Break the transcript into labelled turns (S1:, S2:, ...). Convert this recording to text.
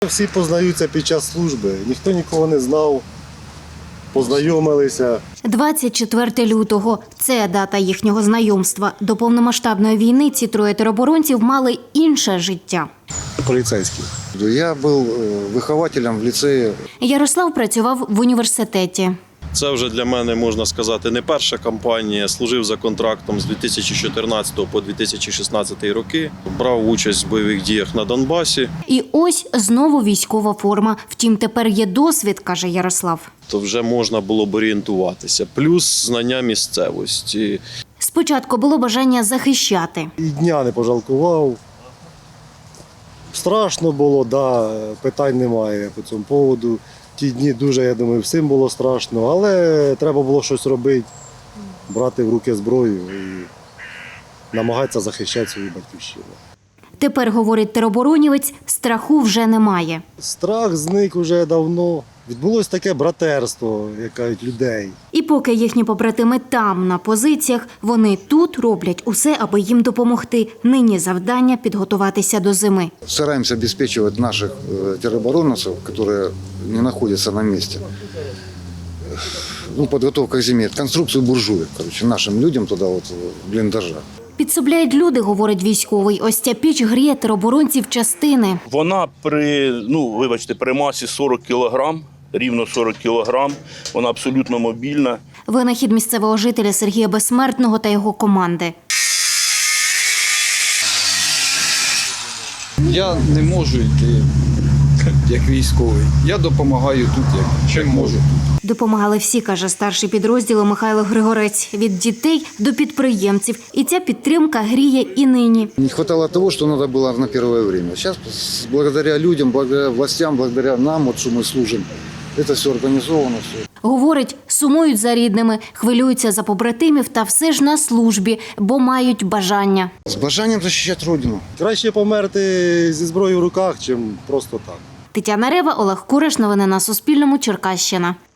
S1: Всі познаються під час служби, ніхто нікого не знав, познайомилися.
S2: 24 лютого – це дата їхнього знайомства. До повномасштабної війни ці троє тероборонців мали інше життя.
S1: Поліцейські.
S3: Я был выхователем в лицее.
S2: Ярослав працював в університеті.
S4: Це вже для мене, можна сказати, не перша кампанія. Служив за контрактом з 2014 по 2016 роки. Брав участь в бойових діях на Донбасі.
S2: І ось знову військова форма. Втім, тепер є досвід, каже Ярослав.
S4: То вже можна було б орієнтуватися. Плюс знання місцевості.
S2: Спочатку було бажання захищати.
S1: І дня не пожалкував. Страшно було, да, питань немає по цьому поводу. Ті дні дуже, я думаю, всім було страшно, але треба було щось робити, брати в руки зброю і намагатися захищати свою батьківщину.
S2: Тепер, говорить тероборонівець, страху вже немає.
S1: Страх зник уже давно. Відбулось таке братерство, як кажуть, людей.
S2: І поки їхні побратими там, на позиціях, вони тут роблять усе, аби їм допомогти. Нині завдання – підготуватися до зими.
S3: Стараемся обеспечивать наших тероборонцев, которые не находятся на месте. Подготовка к зиме, конструкцию буржуек, нашим людям туда в блиндажах.
S2: Підсобляють люди, говорить військовий. Ось ця піч гріє тероборонців частини.
S5: Вона при масі 40 кілограм, рівно 40 кілограм, вона абсолютно мобільна.
S2: Винахід місцевого жителя Сергія Безсмертного та його команди.
S6: Я не можу йти як військовий. Я допомагаю тут, чим можу.
S2: Допомагали всі, каже старший підрозділу Михайло Григорець. Від дітей до підприємців. І ця підтримка гріє і нині.
S3: Не хватало того, что надо было на первое время. Сейчас, благодаря людям, благодаря властям, благодаря нам, что мы служим, это все организовано. Все.
S2: Говорить, сумують за рідними, хвилюються за побратимів та все ж на службі, бо мають бажання.
S3: С бажанием защищать Родину.
S1: Краще померти зі зброєю в руках, чим просто так.
S2: Тетяна Рева, Олег Кураш. Новини на Суспільному. Черкащина.